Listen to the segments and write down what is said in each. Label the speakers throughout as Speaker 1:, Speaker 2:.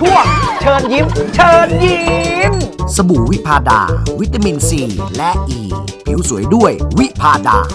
Speaker 1: ช่วงเชิญยิ้มเชิญยิ้ม
Speaker 2: สบู่วิพาดาวิตามินซีและอ e. ผิวสวยด้วยวิพาดา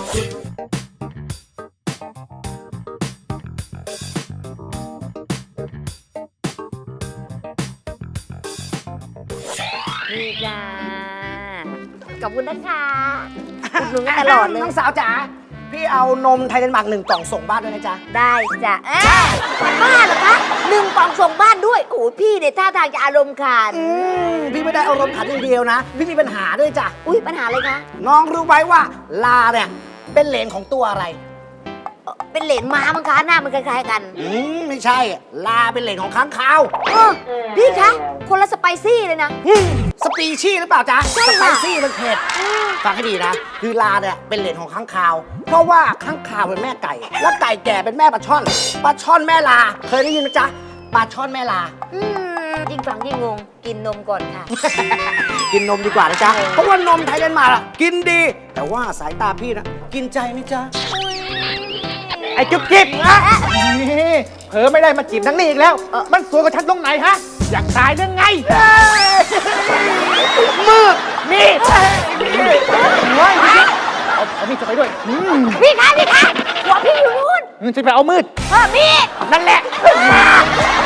Speaker 3: นี่จ้าขอบคุณนะคะอุดหนุนกันตลอดเลย
Speaker 1: น้องสาวจ๋าพี่เอานมไทยเดนมาร์ก1 กล่องส่งบ้านด้วยนะจ๊ะ
Speaker 3: ได้จ้ะบ้านเหรอคะ1 กล่องส่งบ้านด้วยโอ้พี่เนี่ยท่าทางจะอารมณ์ขัน
Speaker 1: พี่ไม่ได้อารมณ์ขันอย่างเดียวนะพี่มีปัญหาด้วยจ้ะ
Speaker 3: อุ้ยปัญหาอะไรคะ
Speaker 1: น้องรู้ไหมว่าลาเนี่ยเป็นเหลนของตัวอะไร
Speaker 3: เป็นเหรนม้ามั้งคะหน้ามันคล้ายๆกัน
Speaker 1: ไม่ใช่ลาเป็นเหลนของค้างคาว
Speaker 3: พี่คะคนละสไปซี่เลยนะ
Speaker 1: สปีชีส์หรือเปล่าจ๊ะ
Speaker 3: ใช่
Speaker 1: สไป
Speaker 3: ค่ะ
Speaker 1: ซี่มันเผ็ดฟังให้ดีนะคือลาเนี่ยเป็นเหลนของค้างคาว เพราะว่าค้างคาวเป็นแม่ไก่ แล้วไก่แก่เป็นแม่ปลาช่อนปลาช่อนแม่ลาเคยได้ยินไหมจ๊ะปลาช่อนแม่ลา
Speaker 3: ยิ่งฟังยิ่งงงกินนมก่อนค่ะ
Speaker 1: กินนมดีกว่านะจ๊ะ เพราะว่านมไทยเดนมาร์กอะกินดี แต่ว่าสายตาพี่นะกินใจไหมจ๊ะ
Speaker 4: ไอ้จุ๊บจิ๊บนะนี่เผลอไม่ได้มาจีบทั้งนี้อีกแล้ว มันสวยกว่าฉันตรงไหนฮะ อยากตายเรื่องไง
Speaker 1: มืด
Speaker 4: มีดเฮ้ยเอามีดจะไปด้วย
Speaker 3: พี่คะหัวพี่อยู่นู่น
Speaker 4: มึงจะไปเอามืด
Speaker 3: มีด
Speaker 4: นั่นแหละ